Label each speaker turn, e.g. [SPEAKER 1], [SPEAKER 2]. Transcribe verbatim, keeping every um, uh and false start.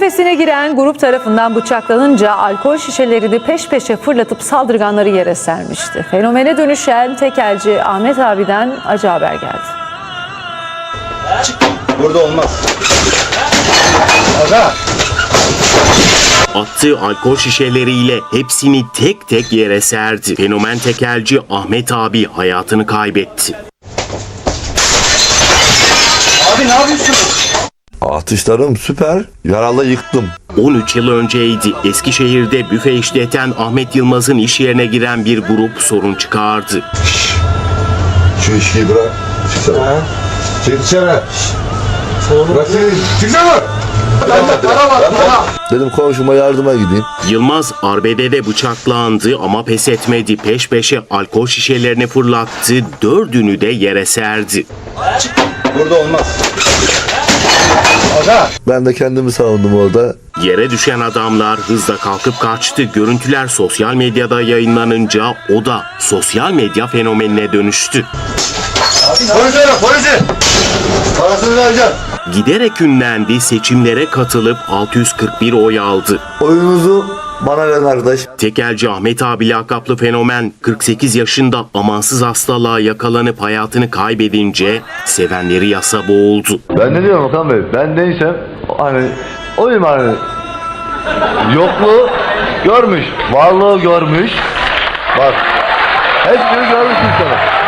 [SPEAKER 1] Büfesine giren grup tarafından bıçaklanınca alkol şişelerini peş peşe fırlatıp saldırganları yere sermişti. Fenomene dönüşen tekelci Ahmet abiden acı haber geldi.
[SPEAKER 2] Burada olmaz. Aga.
[SPEAKER 3] Attığı alkol şişeleriyle hepsini tek tek yere serdi. Fenomen tekelci Ahmet abi hayatını kaybetti.
[SPEAKER 2] Abi ne yapıyorsunuz?
[SPEAKER 4] Atışlarım süper. Yaralı yıktım.
[SPEAKER 3] on üç yıl önceydi. Eskişehir'de büfe işleten Ahmet Yılmaz'ın iş yerine giren bir grup sorun çıkardı.
[SPEAKER 4] Şu işi bırak. Çıksana. Çık dışarı. Bırak seni. Çıksana.
[SPEAKER 2] Bende para var, para.
[SPEAKER 4] Dedim komşuma yardıma gideyim.
[SPEAKER 3] Yılmaz arbedede bıçaklandı ama pes etmedi. Peş peşe alkol şişelerini fırlattı. Dördünü de yere serdi.
[SPEAKER 2] Burada olmaz. Aga.
[SPEAKER 4] Ben de kendimi savundum orada.
[SPEAKER 3] Yere düşen adamlar hızla kalkıp kaçtı. Görüntüler sosyal medyada yayınlanınca o da sosyal medya fenomenine dönüştü.
[SPEAKER 2] Polisi ara, polisi. Parasını vereceğim.
[SPEAKER 3] Giderek ünlendi, seçimlere katılıp altı yüz kırk bir oy aldı.
[SPEAKER 4] Oyunuzu bana ver kardeş.
[SPEAKER 3] Tekelci Ahmet abi lakaplı fenomen kırk sekiz yaşında amansız hastalığa yakalanıp hayatını kaybedince sevenleri yasa boğuldu.
[SPEAKER 4] Ben ne diyorum Okan Bey? Ben neysem hani oyum hani. Yokluğu görmüş, varlığı görmüş. Bak hepsini görmüş insanım.